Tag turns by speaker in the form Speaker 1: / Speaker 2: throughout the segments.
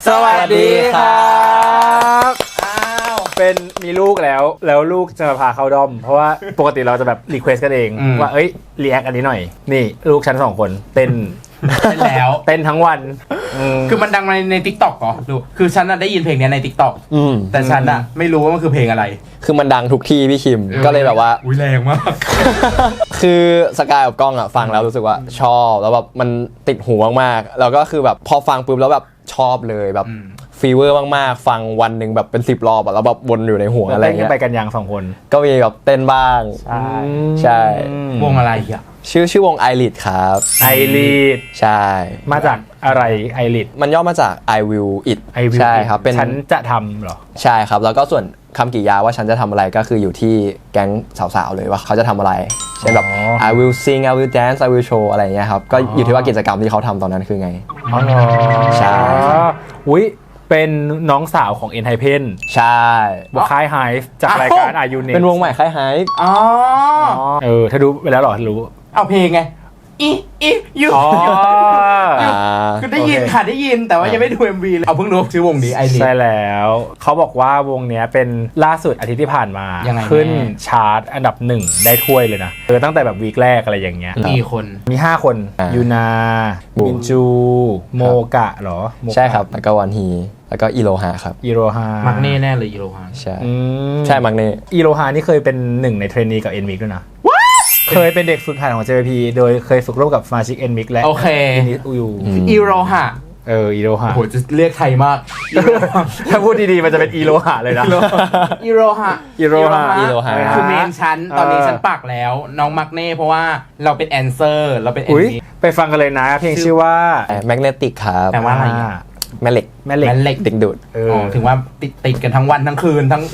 Speaker 1: สวัสดีครับเป็นมีลูกแล้วลูกจะพาเข้าด้อมเพราะว่าปกติเราจะแบบรีเควสกันเองว่าเอ้ยรีแอคอันนี้หน่อยนี่ลูกฉัน2คนเต้น
Speaker 2: แล้ว
Speaker 1: เต้นทั้งวัน
Speaker 2: คือมันดังใน TikTok เหรอดูคือฉันได้ยินเพลงนี้ใน TikTok แต่ฉันไม่รู้ว่ามันคือเพลงอะไร
Speaker 3: คือมันดังทุกที่พี่คิมก็เลยแบบว่า
Speaker 2: อุ้ยแรงมาก
Speaker 3: คือสกายกับกล้องฟังแล้วรู้สึกว่าชอบแล้วแบบมันติดหูมากๆแล้วก็คือแบบพอฟังปุ๊บแล้วแบบชอบเลยแบบฟีเวอร์มากๆฟังวันหนึ่งแบบเป็น10 รอบแล้วแบบวนอยู่ในหัวอะไรเงี้ย
Speaker 1: ไปกันยัง2 คน
Speaker 3: ก็มีแบบเต้นบ้างใช่
Speaker 2: วงอะไรอ่ะ
Speaker 3: ชื่อวง iLead ครับ
Speaker 1: iLead
Speaker 3: ใช่
Speaker 1: มาจากอะไร iLead
Speaker 3: มันย่อมาจาก I will it ใช่ครับเป็น
Speaker 1: ฉันจะทำเหรอ
Speaker 3: ใช่ครับแล้วก็ส่วนคำกริยาว่าฉันจะทำอะไรก็คืออยู่ที่แก๊งสาวๆเลยว่าเขาจะทำอะไรเช่นแบบ I will sing I will dance I will show อะไรอย่างเงี้ยครับก็อยู่ที่ว่ากิจกรรมที่เขาทำตอนนั้นคือไง
Speaker 1: อ๋อเหรอ
Speaker 3: ใช่
Speaker 1: อุ้ยเป็นน้องสาวของ ENHYPEN
Speaker 3: ใช่
Speaker 1: วงค่าย Hive จากรายการ Are You Next
Speaker 3: เป็นวงใหม่ค่าย Hive
Speaker 2: อ๋อ
Speaker 1: ถ้าดูไปแล้วหรอรู้
Speaker 2: เอาเพลงไงอียูคือได้ยินค่ะได้ยินแต่ว่ายังไม่ดู MV เลยเอาเพิ่งรู้ชื่อวงนี้ไอริ
Speaker 1: ใช่แล้วเขาบอกว่าวงเนี้ยเป็นล่าสุดอาทิตย์ที่ผ่านมาขึ้นชาร์ตอันดับ1ได้ถ้วยเลยนะตั้งแต่แบบวีคแรกอะไรอย่างเงี้ยมี5 คนยูนามินจูโมกะเหรอ
Speaker 3: ใช่ครับแล้วก็วันฮีแล้วก็อีโรฮาครับ
Speaker 1: อีโรฮา
Speaker 2: มักเน่แน่เลยอีโรฮา
Speaker 3: ใช่ใช่มักเน่
Speaker 1: อีโรฮานี่เคยเป็น1ในเทรนนีกับ NMIX ด้วยนะเคยเป็นเด็กฝึกหัดของ JYP โดยเคยฝึกร่วมกับสมาชิก NMIX และนิสอูยู
Speaker 2: อีโรฮา
Speaker 1: อีโรฮา
Speaker 2: โหจะเรียกไทยมาก
Speaker 1: ถ้าพูดดีๆมันจะเป็นอีโรฮาเลยนะ
Speaker 2: อีโรฮาคือเมนชั้นตอนนี้ฉันปักแล้วน้องมักเน่เพราะว่าเราเป็นแอนเซอร์เราเป็น NMIX
Speaker 1: ไปฟังกันเลยนะเพลงชื่อว่า
Speaker 3: Magnetic ครับ
Speaker 2: แปลว่าอะไร
Speaker 3: แม่เหล็กดึงดูด
Speaker 2: ถึงว่าติดกันทั้งวันทั้งคืนทั้ง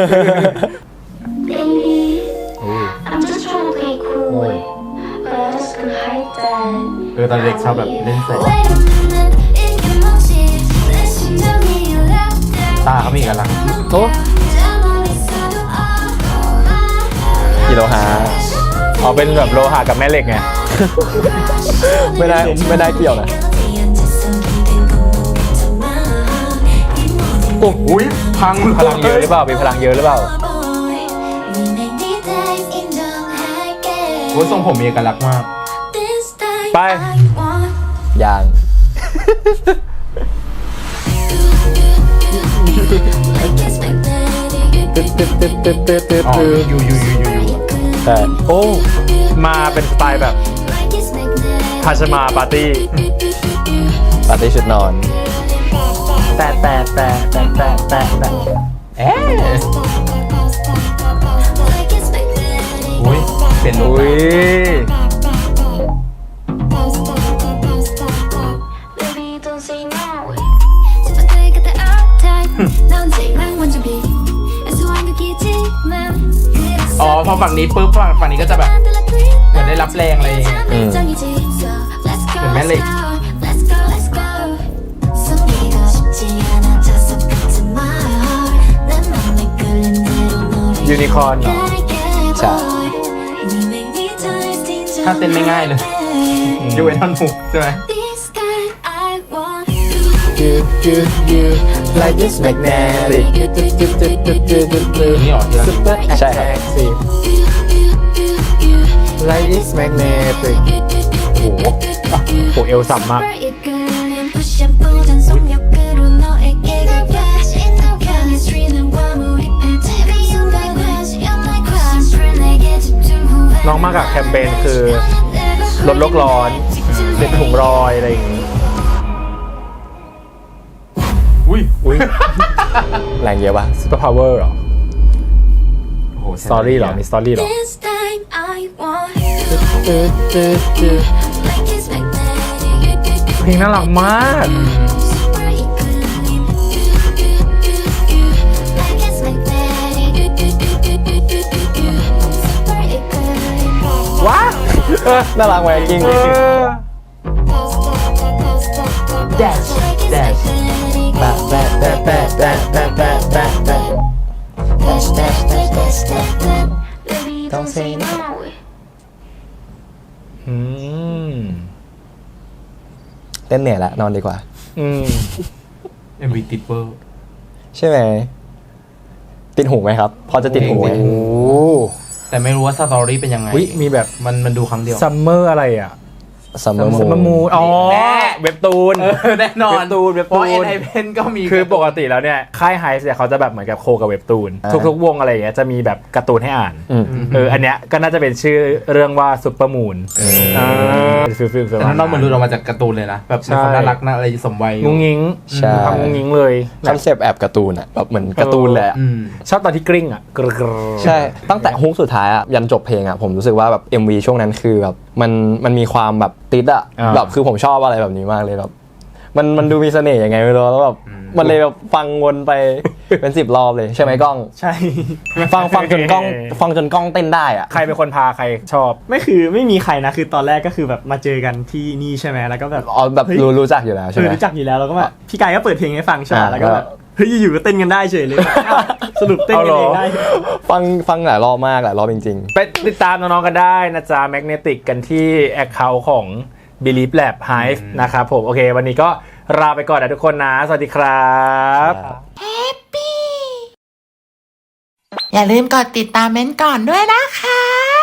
Speaker 2: ตอนเด็กชอบแบบเล่นเสร็จตาเขามีกันลัง
Speaker 1: โอ้
Speaker 3: อีโรฮา
Speaker 1: เป็นแบบโลหะกับแม่เหล็กไง
Speaker 3: ไม่ได้เกี่ยวนะ
Speaker 1: โอ้ยพลังเยอะหรือเปล่ามีพลังเยอะหรือเปล่า
Speaker 2: โอ้ยทรงผมมีเอกลักษณ์มาก
Speaker 1: ไป
Speaker 3: อย่าง
Speaker 2: อยู่
Speaker 1: แต่โอ้มาเป็นสไตล์แบบพาชมาปาร์ตี้
Speaker 3: ชุดนอน
Speaker 1: แต่
Speaker 2: อุ้ยเป็น
Speaker 1: อุ้ย
Speaker 2: พอฝั่งนี้ปุ๊บฝั่งนี้ก็จะแบบเหมือนได้รับแรงอะไรอย่างเงี้ยเหมือนแม่เหล็ก
Speaker 1: ยูนิคอร์นเหรอ
Speaker 3: ใช่
Speaker 2: ถ้าเต้นไม่ง่ายเลยยูเอท่อนหุกใช่ไหม
Speaker 1: like this magnetic
Speaker 2: นี่หรอ
Speaker 3: ใช่ครับ
Speaker 1: like this magnetic โหเอวสับมากน้องมากับแคมเปญคือลดโลกร้อนเด็ดถุงรอยอะไรอย่างงี้
Speaker 2: อุ้ย
Speaker 3: แรงเยอะปะ
Speaker 1: Super Power เหรอ
Speaker 2: โอ้โห
Speaker 1: Story เหรอมี Story เหรอเพลงน่ารักมากว้า
Speaker 3: น่ารักไหมจริง
Speaker 2: dash
Speaker 3: ต้องเซนเต้นเหนื่อยแล้วนอนดีกว่า
Speaker 2: MV ติดเวอร์
Speaker 3: ใช่ไหมติดหูไหมครับ พอจะติดหูไหม
Speaker 1: โอ้
Speaker 2: แต่ไม่รู้ว่าสตอรี่เป็นยังไง
Speaker 1: วิมีแบบ
Speaker 2: มันดูครั้งเดียว
Speaker 1: ซัมเมอร์อะไรอ่ะ
Speaker 3: ซัมเมอร์
Speaker 1: ซัมเมอร์มูนอ๋อ
Speaker 2: แน่
Speaker 1: เว็บตูน
Speaker 2: แน่นอน
Speaker 1: เว็บตูน
Speaker 2: เพราะ NI Pen ก็มี
Speaker 1: คือปกติแล้วเนี่ยค่ายไฮส์เนี่ยเขาจะแบบเหมือนกับโคกับเว็บตูนทุกๆวงอะไรอย่างเงี้ยจะมีแบบการ์ตูนให้อ่าน อันเนี้ยก็น่าจะเป็นชื่อเรื่องว่าซุปเปอร์มูนฟิล
Speaker 2: แต่น้องๆเหมือนหลุดออกมาจากการ์ตูนเลยนะแบบเป็นคนน่ารักน่าอะไรสมวัย
Speaker 1: งุ้งงิ้ง
Speaker 3: ใช่
Speaker 1: ทำงุ้งงิ้งเลย
Speaker 3: คอนเซปต์แอบการ์ตูนอะแบบเหมือนการ์ตูนเลยอะ
Speaker 1: ชอบตอนที่กริ้งอ่ะกรึก
Speaker 3: ใช่ตั้งแต่ฮุกสุดท้ายอะยันจบเพลงอะผมรู้สึกว่าแบบ MV ช่วงนั้นคือแบบมันมีความแบบติดอะแบบคือผมชอบอะไรแบบนี้มากเลยแบบมันดูมีเสน่ห์ยังไงไม่รู้แล้วแบบมันเลยแบบฟังวนไปเป็น10 รอบเลยใช่ไหมกล้อง
Speaker 4: ใช่
Speaker 3: ฟังจนกล้องเต้นได้อะ
Speaker 1: ใครเป็นคนพาใครชอบ
Speaker 4: ไม่มีใครนะคือตอนแรกก็คือแบบมาเจอกันที่นี่ใช่ไหมแล้วก็แบบ
Speaker 3: อ๋อแบบรู้จักอยู่แล้วใช่ไหม
Speaker 4: รู้จักอยู่แล้วแล้วก็แบบพี่กายก็เปิดเพลงให้ฟังใช่ไหม
Speaker 3: อ่า
Speaker 4: แล้วก็แบบเฮ้ยอยู่ๆก็เต้นกันได้เฉยเลยสรุปเต้นกันเองได้
Speaker 3: ฟังหลายรอบมากหลายรอบจริง
Speaker 1: ไปติดตามน้องๆกันได้นะจ๊ะแมกเนติกกันที่ Account ของ Believe Lab Hive นะครับผมโอเค วันนี้ก็ลาไปก่อนนะทุกคนนะ สวัสดีครับ
Speaker 3: ๆ
Speaker 5: อย่าลืมกดติดตามเม้นท์ก่อนด้วยนะคะ